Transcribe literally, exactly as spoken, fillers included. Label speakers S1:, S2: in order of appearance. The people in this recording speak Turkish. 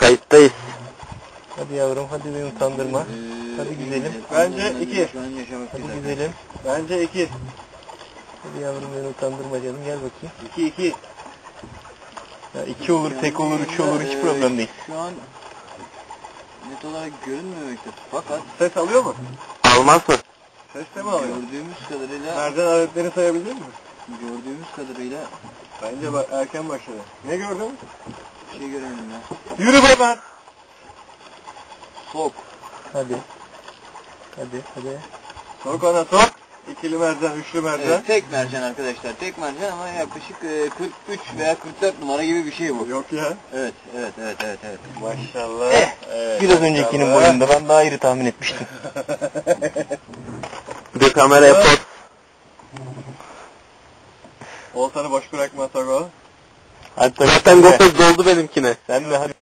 S1: Kayıttayız.
S2: Hadi yavrum, hadi beni utandırma. Hadi güzelim.
S3: Bence iki.
S2: Hadi güzelim.
S3: Bence iki.
S2: Hadi yavrum, beni utandırma canım, gel bakayım.
S3: İki iki.
S2: Ya iki olur, tek olur, üç olur, hiç problem değil.
S4: Şu an net olarak görünmemekte. Fakat
S3: Ses alıyor mu?
S1: Almaz mı?
S3: Ses de mi alıyor?
S4: gördüğümüz kadarıyla
S3: Mercan aletlerini sayabildin mi?
S4: gördüğümüz kadarıyla
S3: Bence ba- erken başladı. Ne gördün?
S4: bir şey göremedim ya.
S3: Yürü be ben!
S4: Sok.
S2: Hadi. Hadi, hadi.
S3: Sok ona sok. İkili mercan, üçlü mercan.
S4: Evet, tek mercan arkadaşlar. Tek mercan ama yaklaşık e, kırk üç veya kırk dört numara gibi bir şey bu.
S3: Yok ya.
S4: Evet, evet, evet, evet, evet.
S3: Maşallah.
S2: Eh,
S3: Evet,
S2: Biraz
S3: maşallah.
S2: öncekinin boyunda, ben daha iri tahmin etmiştim.
S1: Bir de kameraya poz.
S3: Oltanı boş bırakma Togo.
S2: Hadi tabii.
S1: Zaten gofret doldu benimkine.
S2: Sen de hadi.